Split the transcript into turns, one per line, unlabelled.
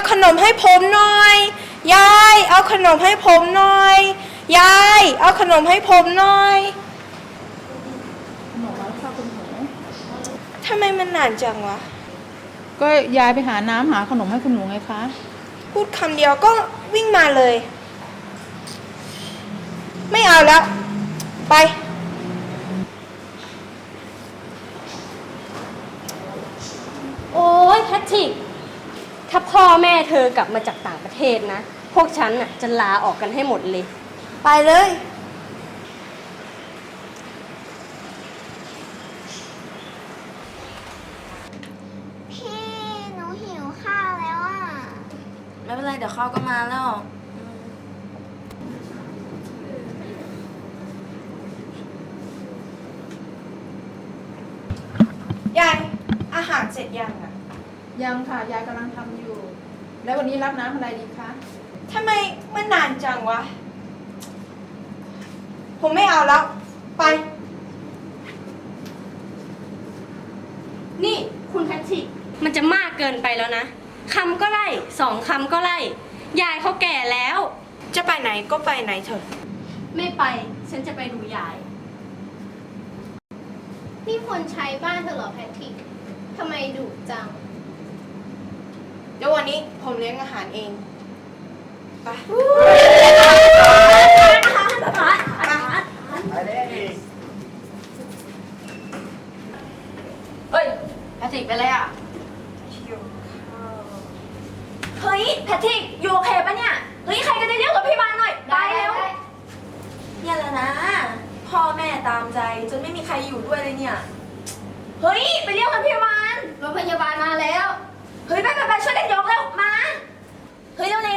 ขนมให้ผมหน่อย ยายเอาขนมให้ผมหน่อย ยายเอาขนมให้ผมหน่อย
ขนมแล้วค่ะคุณหนู
ทำไมมันนานจังวะ
ก็ยายไปหาน้ำหาขนมให้คุณหนูไงคะ
พูดคำเดียวก็วิ่งมาเลย ไม่เอาแล้วไป
โอ้ยแพทริกถ้าพ่อแม่เธอกลับมาจากต่างประเทศนะพวกฉันน่ะจะลาออกกันให้หมดเลย
ไปเลย
พี่หนูหิวข้าวแล้วอ่ะ
ไม่เป็นไรเดี๋ยวเขาก็มาแล้ว
ยายอาหารเสร็จยังอะ
ยังค่ะยายกำลังทำอยู่ แล้ววันนี้รับน้ำอะไรดีคะ
ทำไมมันนานจังวะผมไม่เอาแล้วไป
นี่คุณแพทริกมันจะมากเกินไปแล้วนะคำก็ไล่2 คำก็ไล่ยายเขาแก่แล้ว
จะไปไหนก็ไปไหนเถอะ
ไม่ไปฉันจะไปดูยาย
นี่คนใช้บ้านเธอเหรอแพทริกทำไมดุจัง
เดี๋ยววันนี้ผมเลี้ยงอาหารเองไป
เฮ้ยแพทริกเป็นไรอ่ะเฮ้ยแพทริกอยู่โอเคปะเนี่ยเฮ้ยใครก็ได้เรียกรถพยาบาลหน่อยไปเร็วเนี่ยแหละนะพ่อแม่ตามใจจนไม่มีใครอยู่ด้วยเลยเนี่ยเฮ้ยไปเรียกรถพยาบาล
รถพยาบาลมาแล้ว
เฮ้ยไปช่วยกันยกเร็วมาเฮ้ยเร็